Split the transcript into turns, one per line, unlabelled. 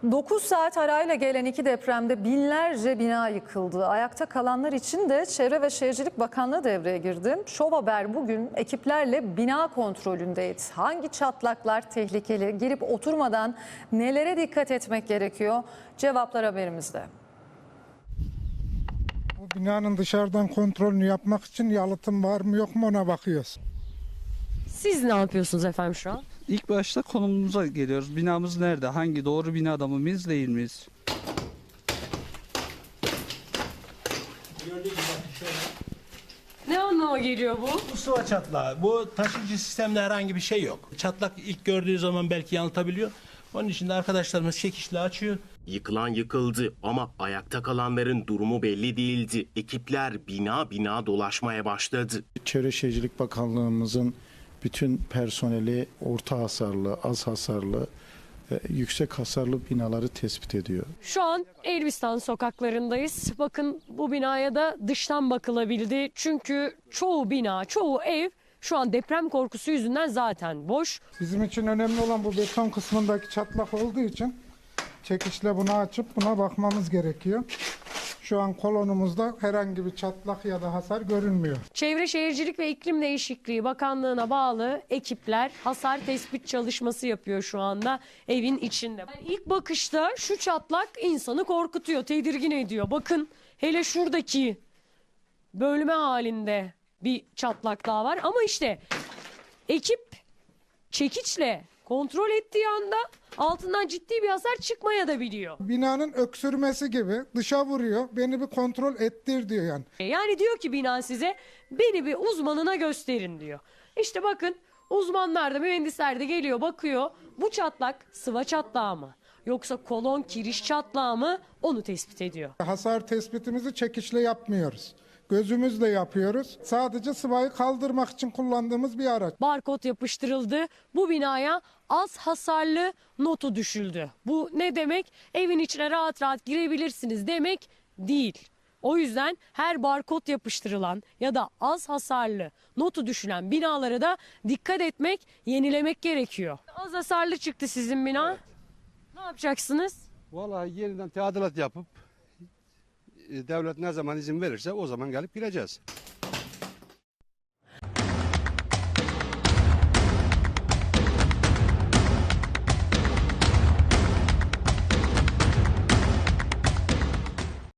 9 saat arayla gelen iki depremde binlerce bina yıkıldı. Ayakta kalanlar için de Çevre ve Şehircilik Bakanlığı devreye girdi. Şov Haber bugün ekiplerle bina kontrolündeydi. Hangi çatlaklar tehlikeli? Girip oturmadan nelere dikkat etmek gerekiyor? Cevaplar haberimizde.
Bu binanın dışarıdan kontrolünü yapmak için yalıtım var mı yok mu ona bakıyoruz.
Siz ne yapıyorsunuz efendim şu an?
İlk başta konumumuza geliyoruz. Binamız nerede? Hangi doğru binada mıyız değil miyiz?
Ne anlama geliyor bu?
Bu sıva çatlağı. Bu taşıyıcı sistemde herhangi bir şey yok. Çatlak ilk gördüğü zaman belki yanıltabiliyor. Onun için de arkadaşlarımız çekişle açıyor.
Yıkılan yıkıldı ama ayakta kalanların durumu belli değildi. Ekipler bina bina dolaşmaya başladı.
Çevre Şehircilik Bakanlığımızın bütün personeli orta hasarlı, az hasarlı, yüksek hasarlı binaları tespit ediyor.
Şu an Elbistan sokaklarındayız. Bakın bu binaya da dıştan bakılabildi. Çünkü çoğu bina, çoğu ev şu an deprem korkusu yüzünden zaten boş.
Bizim için önemli olan bu beton kısmındaki çatlak olduğu için çekişle bunu açıp buna bakmamız gerekiyor. Şu an kolonumuzda herhangi bir çatlak ya da hasar görünmüyor.
Çevre Şehircilik ve İklim Değişikliği Bakanlığı'na bağlı ekipler hasar tespit çalışması yapıyor şu anda evin içinde. Yani ilk bakışta şu çatlak insanı korkutuyor, tedirgin ediyor. Bakın hele şuradaki bölme halinde bir çatlak daha var ama işte ekip çekiçle kontrol ettiği anda altından ciddi bir hasar çıkmaya da biliyor.
Binanın öksürmesi gibi dışa vuruyor, beni bir kontrol ettir diyor yani.
Yani diyor ki bina size beni bir uzmanına gösterin diyor. İşte bakın uzmanlar da mühendisler de geliyor bakıyor bu çatlak sıva çatlağı mı yoksa kolon kiriş çatlağı mı onu tespit ediyor.
Hasar tespitimizi çekişle yapmıyoruz. Gözümüzle yapıyoruz. Sadece sıvayı kaldırmak için kullandığımız bir araç.
Barkod yapıştırıldı. Bu binaya az hasarlı notu düşüldü. Bu ne demek? Evin içine rahat rahat girebilirsiniz demek değil. O yüzden her barkod yapıştırılan ya da az hasarlı notu düşülen binalara da dikkat etmek, yenilemek gerekiyor. Az hasarlı çıktı sizin bina. Ne yapacaksınız?
Vallahi yeniden tadilat yapıp devlet ne zaman izin verirse o zaman gelip gireceğiz.